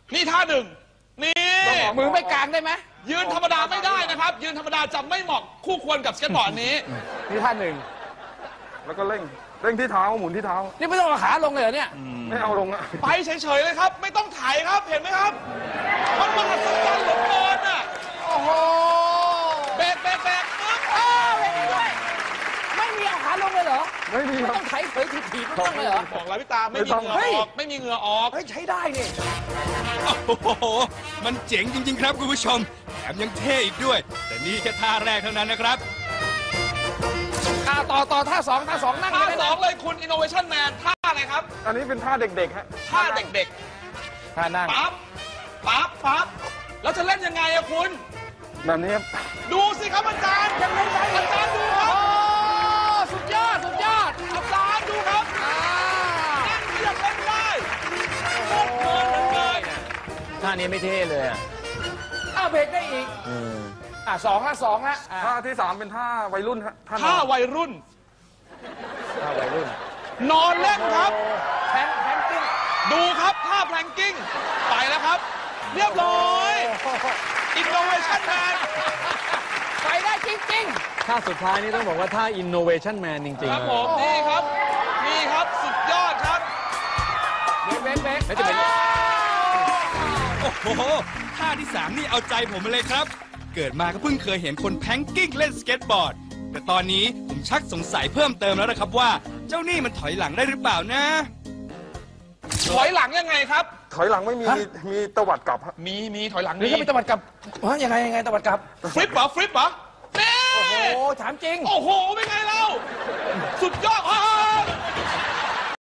นี่ท่าหนึ่งนี่มือไม่กลางได้ไหมยืนธรรมดาไม่ได้นะครับยืนธรรมดาจะไม่เหมาะคู่ควรกับสเก็ตบอร์ดนี้นี่ท่าหนึ่งแล้วก็เร่งที่เท้าหมุนที่เท้านี่ไม่ต้องเอาขาลงเลยเหรอเนี่ยไม่เอาลงอะไปเฉยๆเลยครับไม่ต้องถ่ายครับเห็นไหมครับมันมหัศจรรย์เหลือเกินอ่ะโอ้โหเบรกปึ๊บเบรกด้วยไม่มีเอาขาลงเลยเหรอไม่มีครับต้องไถเผยถีบๆต้องเลยเหรอบอกแล้วพี่ตาไม่มีเหงื่อออกไม่มีเหงื่อออกเฮ้ยใช้ได้นี่โอ้โหมันเจ๋งจริงๆครับคุณผู้ชมแถมยังเท่อีกด้วยแต่นี่แค่ท่าแรกเท่านั้นนะครับต่อท่าสองนั่งท่าสองเลยคุณ Innovation Man ท่าอะไรครับอันนี้เป็นท่าเด็กๆฮะท่าเด็กท่านั่งปั๊บแล้วจะเล่นยังไงอะคุณแบบนี้ครับดูสิครับอาจารย์ยังไม่ได้อาจารย์ดูครับสุดยอดอาจารย์ดูครับนั่งเรียบเล่นได้โคตรเพลินเลยท่านี้ไม่เท่เลยเบรกได้อีกสองละท่าที่3เป็นท่าวัยรุ่นฮะท่าวัยรุ่นนอนเล่นครับแพนกิ้งดูครับท่าแพลงกิ้งไปแล้วครับเรียบร้อย Innovation Man ไปได้จริงๆท่าสุดท้ายนี่ต้องบอกว่าท่า Innovation Man จริงๆครับผมนี่ครับสุดยอดครับเบรกแล้วจะเป็นโอ้โหท่าที่3นี่เอาใจผมมาเลยครับเกิดมาก็เพิ่งเคยเห็นคนแพงกิ้งเล่นสเก็ตบอร์ดแต่ตอนนี้ผมชักสงสัยเพิ่มเติมแล้วนะครับว่าเจ้านี่มันถอยหลังได้หรือเปล่านะถอยหลังยังไงครับถอยหลังไม่มีตวัดกลับมีถอยหลังนี่ก็มีตวัดกลับยังไงตวัดกลับฟลิปเหรอนี่โอ้โหถามจริงโอ้โหเป็นไงเราสุดยอด